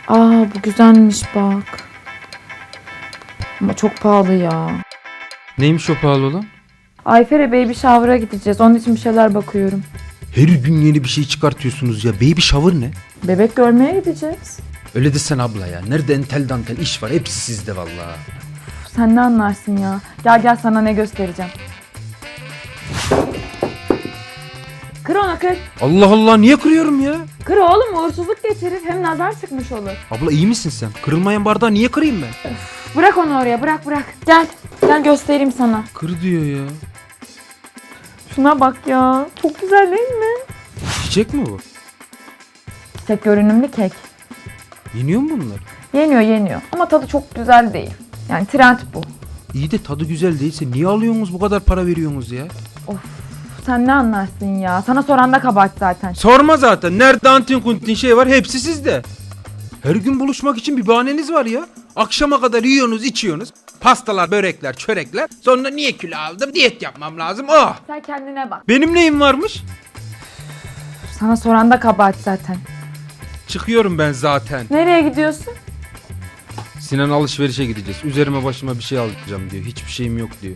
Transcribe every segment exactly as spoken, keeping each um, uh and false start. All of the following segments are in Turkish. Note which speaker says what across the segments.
Speaker 1: Aa bu güzelmiş bak. Ama çok pahalı ya.
Speaker 2: Neymiş o pahalı olan?
Speaker 1: Ayfer'e baby shower'a gideceğiz. Onun için bir şeyler bakıyorum.
Speaker 2: Her gün yeni bir şey çıkartıyorsunuz ya. Baby shower ne?
Speaker 1: Bebek görmeye gideceğiz.
Speaker 2: Öyle desene abla ya. Nerede entel dantel iş var. Hepsi sizde vallahi.
Speaker 1: Uf, sen ne anlarsın ya. Gel gel sana ne göstereceğim. Kır onu kır.
Speaker 2: Allah Allah niye kırıyorum ya?
Speaker 1: Kır oğlum, uğursuzluk getirir. Hem nazar çıkmış olur.
Speaker 2: Abla iyi misin sen? Kırılmayan bardağı niye kırayım ben?
Speaker 1: Bırak onu oraya, bırak bırak. Gel. Gel göstereyim sana.
Speaker 2: Kır diyor ya.
Speaker 1: Şuna bak ya. Çok güzel değil mi?
Speaker 2: Çiçek mi bu?
Speaker 1: Tek görünümlü kek.
Speaker 2: Yeniyor mu bunlar?
Speaker 1: Yeniyor yeniyor. Ama tadı çok güzel değil. Yani trend bu.
Speaker 2: İyi de tadı güzel değilse niye alıyorsunuz bu kadar para veriyorsunuz ya?
Speaker 1: Sen ne anlarsın ya? Sana soran da kabahat zaten.
Speaker 2: Sorma zaten. Nerede antin kuntin şey var hepsi sizde. Her gün buluşmak için bir bahaneniz var ya. Akşama kadar yiyorsunuz içiyorsunuz. Pastalar, börekler, çörekler. Sonra niye kilo aldım? Diyet yapmam lazım. Oh!
Speaker 1: Sen kendine bak.
Speaker 2: Benim neyim varmış?
Speaker 1: Sana soran da kabahat zaten.
Speaker 2: Çıkıyorum ben zaten.
Speaker 1: Nereye gidiyorsun?
Speaker 2: Sinan alışverişe gideceğiz. Üzerime başıma bir şey alacağım diyor. Hiçbir şeyim yok diyor.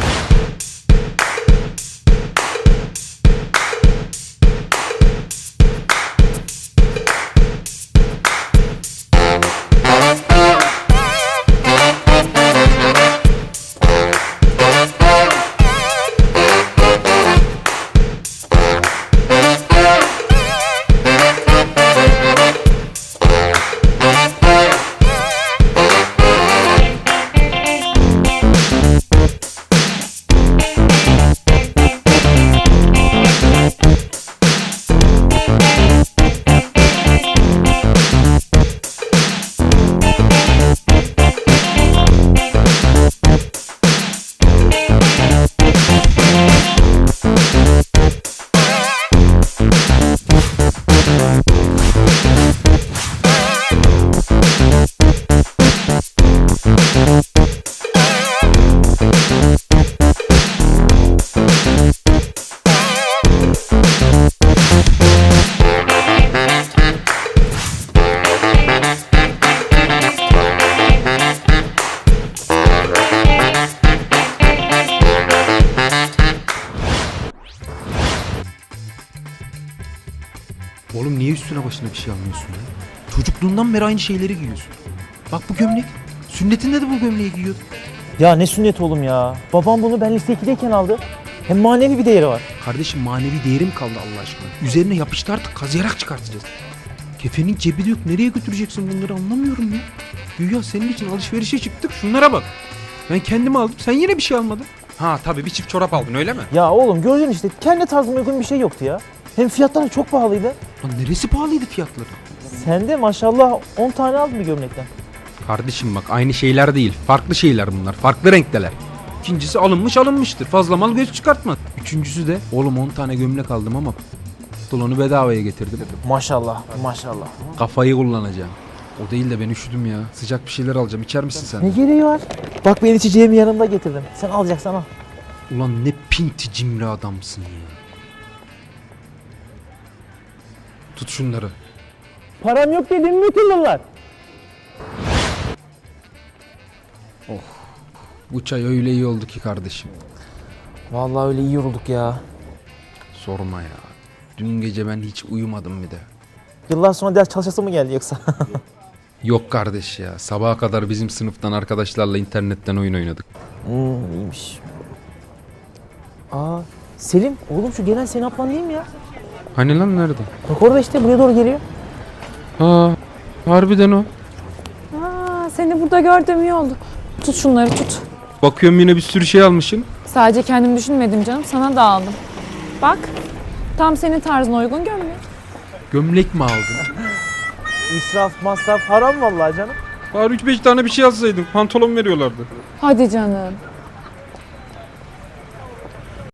Speaker 2: Oğlum niye üstüne başına bir şey almıyorsun ya? Çocukluğundan beri aynı şeyleri giyiyorsun. Bak bu gömlek. Sünnetinde de bu gömleği giyiyordun.
Speaker 3: Ya ne sünnet oğlum ya. Babam bunu ben lise ikideyken aldı. Hem manevi bir değeri var.
Speaker 2: Kardeşim manevi değerim kaldı Allah aşkına. Üzerine yapıştı artık kazıyarak çıkartacağız. Kefenin cebi de yok. Nereye götüreceksin bunları anlamıyorum ya. Güya senin için alışverişe çıktık. Şunlara bak. Ben kendim aldım. Sen yine bir şey almadın. Ha tabii bir çift çorap aldın öyle mi?
Speaker 3: Ya oğlum gördün işte kendi tarzıma uygun bir şey yoktu ya. Hem fiyatlar çok pahalıydı.
Speaker 2: Lan neresi pahalıydı fiyatları?
Speaker 3: Sen de maşallah on tane aldın bir gömlekten.
Speaker 2: Kardeşim bak aynı şeyler değil. Farklı şeyler bunlar. Farklı renkteler. İkincisi alınmış alınmıştır. Fazla mal göz çıkartma. Üçüncüsü de oğlum on tane gömlek aldım ama pantolonu bedavaya getirdim.
Speaker 3: Maşallah maşallah.
Speaker 2: Kafayı kullanacağım. O değil de ben üşüdüm ya. Sıcak bir şeyler alacağım. İçer misin sen?
Speaker 3: Ne gereği var? Bak ben içeceğimi yanımda getirdim. Sen alacaksan al.
Speaker 2: Ulan ne pinti cimri adamsın ya. Tut şunları.
Speaker 3: Param yok dedim mi bunlar?
Speaker 2: Bu çay öyle iyi oldu ki kardeşim.
Speaker 3: Vallahi öyle iyi yorulduk ya.
Speaker 2: Sorma ya. Dün gece ben hiç uyumadım bir de.
Speaker 3: Yıllar sonra ders çalışası mı geldi yoksa?
Speaker 2: Yok kardeş ya. Sabaha kadar bizim sınıftan arkadaşlarla internetten oyun oynadık.
Speaker 3: Hmm, iyiymiş. Aa, Selim oğlum şu gelen senin ablan değil mi ya?
Speaker 2: Hani lan nerede?
Speaker 3: Bak orada işte buraya doğru geliyor.
Speaker 2: Aa, harbiden o.
Speaker 1: Aa, seni burada gördüğüm iyi oldu. Tut şunları tut.
Speaker 2: Bakıyorum yine bir sürü şey almışsın.
Speaker 1: Sadece kendim düşünmedim canım. Sana da aldım. Bak. Tam senin tarzına uygun gömlek.
Speaker 2: Gömlek mi aldın?
Speaker 3: İsraf masraf haram vallahi canım.
Speaker 2: Bari üç beş tane bir şey alsaydın. Pantolon veriyorlardı.
Speaker 1: Hadi canım.